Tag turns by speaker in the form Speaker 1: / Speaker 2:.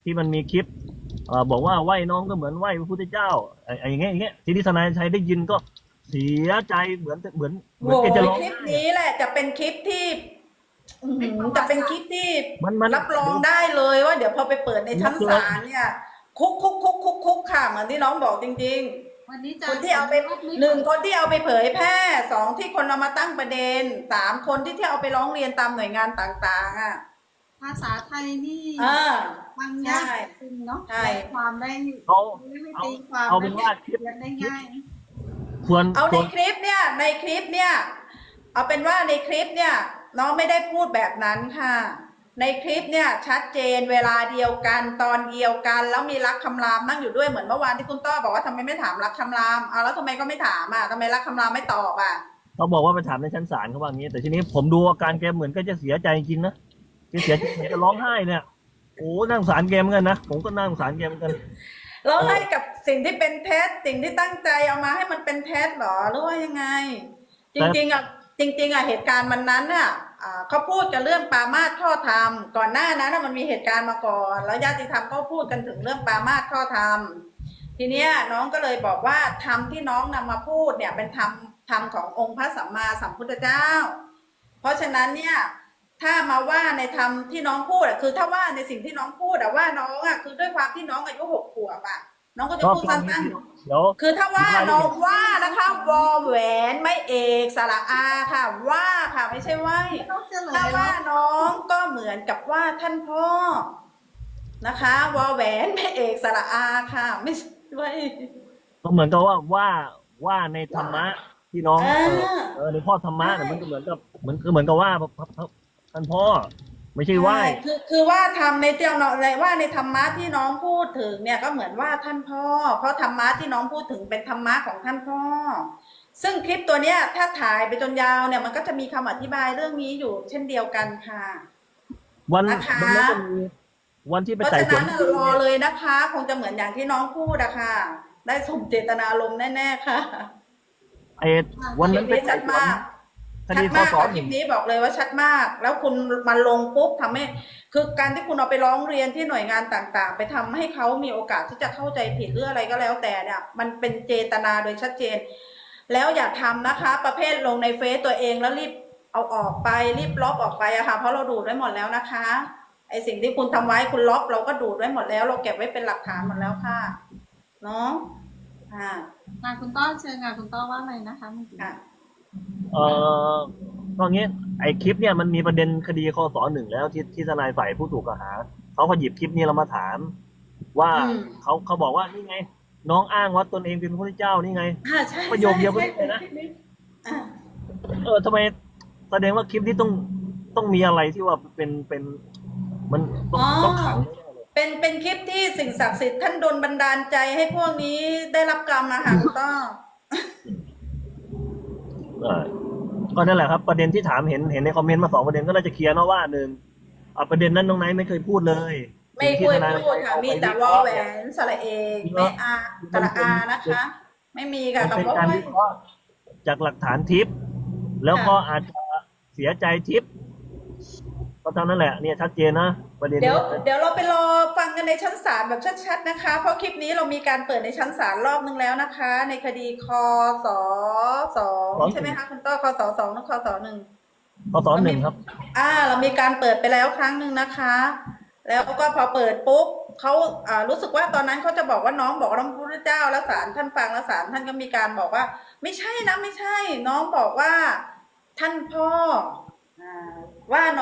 Speaker 1: ที่มันมีคลิปบอกว่าไหว้น้องก็เหมือนไหว้พระพุทธเจ้าไอ้อย่างเงี้ยทีนี้ทนายชัยได้ยินก็เสียใจเหมือน
Speaker 2: โห
Speaker 1: แกจะร้อง
Speaker 2: คลิป
Speaker 1: ไห้
Speaker 2: นี้แหละจะเป็นคลิปที่จะเป็นคลิปที่
Speaker 1: มัน
Speaker 2: รับรองได้เลยว่าเดี๋ยวพอไปเปิดในชั้น
Speaker 1: รับเลย
Speaker 2: ศาลเนี่ยคุกค่ะเหมือนที่น้องบอกจริง
Speaker 3: วันนี้
Speaker 2: ๆค
Speaker 3: จะ
Speaker 2: นที่เอาไปหนึ่งคนที่เอาไปเผยแพร่สองที่คนเอามาตั้งประเด็นสามคนที่เอาไปร้องเรียนตามหน่วยงานต่างๆอ่ะ
Speaker 3: ภาษาไทยนี่
Speaker 2: อ่า
Speaker 3: ฟังยากจริงเนาะ
Speaker 2: ใช่
Speaker 3: ได้ความได้
Speaker 1: เอา
Speaker 3: ไม่
Speaker 1: เอา
Speaker 3: ตีความ
Speaker 1: เอาเป็นว่าคลิป
Speaker 3: ได้ง่าย
Speaker 1: ควร
Speaker 2: เอาใน
Speaker 1: ควร
Speaker 2: คลิปเนี่ยเอาเป็นว่าในคลิปเนี่ยน้องไม่ได้พูดแบบนั้นค่ะในคลิปเนี่ยชัดเจนเวลาเดียวกันตอนเดียวกันแล้วมีรักคำรามนั่งอยู่ด้วยเหมือนเมื่อวานที่คุณต้อบอกว่าทำไมไม่ถามรักคำรามเอาแล้วทำไมก็ไม่ถามอ่ะทำไมรักคำรามไม่ตอบอ่ะ
Speaker 1: เขาบอกว่าไปถามในชั้นศาลเขาว่างี้แต่ทีนี้ผมดูอาการแกเหมือนก็จะเสียใจจริงนะแกเสียใจจะร้องไห้เนี่ยโอ้นั่าสงสารแกเหมือนกันนะผมก็น่าสงสารแกเหมือนกัน
Speaker 2: แล้วให้กับสิ่งที่เป็นเท็จสิ่งที่ตั้งใจเอามาให้มันเป็นเท็จหรอหรือว่ายังไงจริงๆอ่ะเหตุการณ์มันนั้นน่ะเขาพูดกันเรื่องปามาสข้อธรรมก่อนหน้านั้นมันมีเหตุการณ์มาก่อนแล้วญาติธรรมเขาพูดกันถึงเรื่องปามาสข้อธรรมทีเนี้ยน้องก็เลยบอกว่าธรรมที่น้องนำมาพูดเนี่ยเป็นธรรมขององค์พระสัมมาสัมพุทธเจ้าเพราะฉะนั้นเนี่ยถ้ามาว่าในธรรมที่น้องพูดคือถ้าว่าในสิ่งที่น้องพูดว่าน้องคือด้วยความที่น้องอายุ6 ขวบน้องก็จะพูดสั้นๆคือถ้าว่าน้องว่านะคะวอแหวนไม่เอกสระอาค่ะว่าค่ะไม่ใช่ว่าถ้าว่าน้องก็เหมือนกับว่าท่านพ่อนะคะวอแหวนไม่เอกสระอาค่ะไม่ใช่ว่า
Speaker 1: ก็เหมือนกับว่าในธรรมะที่น้องในพ่อธรรมะเนี่ยมันก็เหมือนกับเหมือนกับว่าท่านพ่อไม่ใช่ไหว้
Speaker 2: คือว่าทำในเจ้าเนาะอะไรว่าในธรรมะที่น้องพูดถึงเนี่ยก็เหมือนว่าท่านพ่อเพราะธรรมะที่น้องพูดถึงเป็นธรรมะของท่านพ่อซึ่งคลิปตัวเนี้ยถ้าถ่ายไปจนยาวเนี่ยมันก็จะมีคำอธิบายเรื่องนี้อยู่เช่นเดียวกันค่ะนะคะ
Speaker 1: วันที่ไป
Speaker 2: เพราะ
Speaker 1: ไต่
Speaker 2: ฉะ
Speaker 1: สว
Speaker 2: นั้น
Speaker 1: น
Speaker 2: รอเลยนะคะคงจะเหมือนอย่างที่น้องพูดอะค่ะได้สมเจตนารมณ์แน่ๆค่ะ
Speaker 1: ไอ้วันนั้นไปไต่สวนค
Speaker 2: ชัด
Speaker 1: ดีข้อ
Speaker 2: มาก
Speaker 1: สอบ
Speaker 2: คลิปนี้บอกเลยว่าชัดมากแล้วคุณมาลงปุ๊บทำให้คือการที่คุณเอาไปร้องเรียนที่หน่วยงานต่างๆไปทำให้เขามีโอกาสที่จะเข้าใจผิดหรืออะไรก็แล้วแต่เนี่ยมันเป็นเจตนาโดยชัดเจนแล้วอย่าทำนะคะประเภทลงในเฟซตัวเองแล้วรีบเอาออกไปรีบลบออกไปอะค่ะเพราะเราดูดไว้หมดแล้วนะคะไอสิ่งที่คุณทำไว้คุณลบเราก็ดูดไว้หมดแล้วเราเก็บไว้เป็นหลักฐานหมดแล้วค่ะเนาะ
Speaker 3: งานคุณต้อเชิญงานคุณต้อว่าอะไรนะคะเมื่อกี้
Speaker 1: เออก็งี้ไอ้คลิปเนี่ยมันมีประเด็นคดีคศ1แล้วที่ทนายฝ่ายผู้ถูกกล่าวหาเขาก็หยิบคลิปนี้เรามาถามว่าเขาบอกว่านี่ไงน้องอ้างว่าตนเองเป็นพระพุทธเจ้านี่ไงประโยคเดียวกันเลยนะทำไมแสดงว่าคลิปนี้ต้องมีอะไรที่ว่าเป็นมันต้องขัง
Speaker 2: เป็นคลิปที่สิ่งศักดิ์สิทธิ์ท่านโดนบันดาลใจให้พวกนี้ได้รับกรรมมาค่ะคุณต้อ
Speaker 1: ก็นั่นแหละครับประเด็นที่ถามเห็นในคอมเมนต์มา2ประเด็นก็น่าจะเคลียร์เนาะว่าหนึ่งประเด็นนั้นน้องไนท์ไม่เคยพูดเลย
Speaker 2: ไม่เคยพูดค่ะมีแต่วอแหวนสระเอกไม่อาสระอานะคะไม่มีค่ะ
Speaker 1: เป็นการวิเคราะห์จากหลักฐานทิปแล้วก็อาจจะเสียใจทิปก็เท่านั้นแหละเนี่ยชัดเจนนะประเด็น
Speaker 2: เดี๋ยวเราไปรอฟังกันในชั้นศาลแบบชัดๆนะคะเพราะคลิปนี้เรามีการเปิดในชั้นศาลรอบนึงแล้วนะคะในคดีคศ2ใช่ไหมคะคุณต้อคศ2หรือคศ1
Speaker 1: คศ1ครับ
Speaker 2: เรามีการเปิดไปแล้วครั้งหนึ่งนะคะแล้วก็พอเปิดปุ๊บเขารู้สึกว่าตอนนั้นเขาจะบอกว่าน้องบอกว่าพระพุทธเจ้าแล้วศาลท่านฟังแล้วศาลท่านก็มีการบอกว่าไม่ใช่นะไม่ใช่น้องบอกว่าท่านพ่อว่า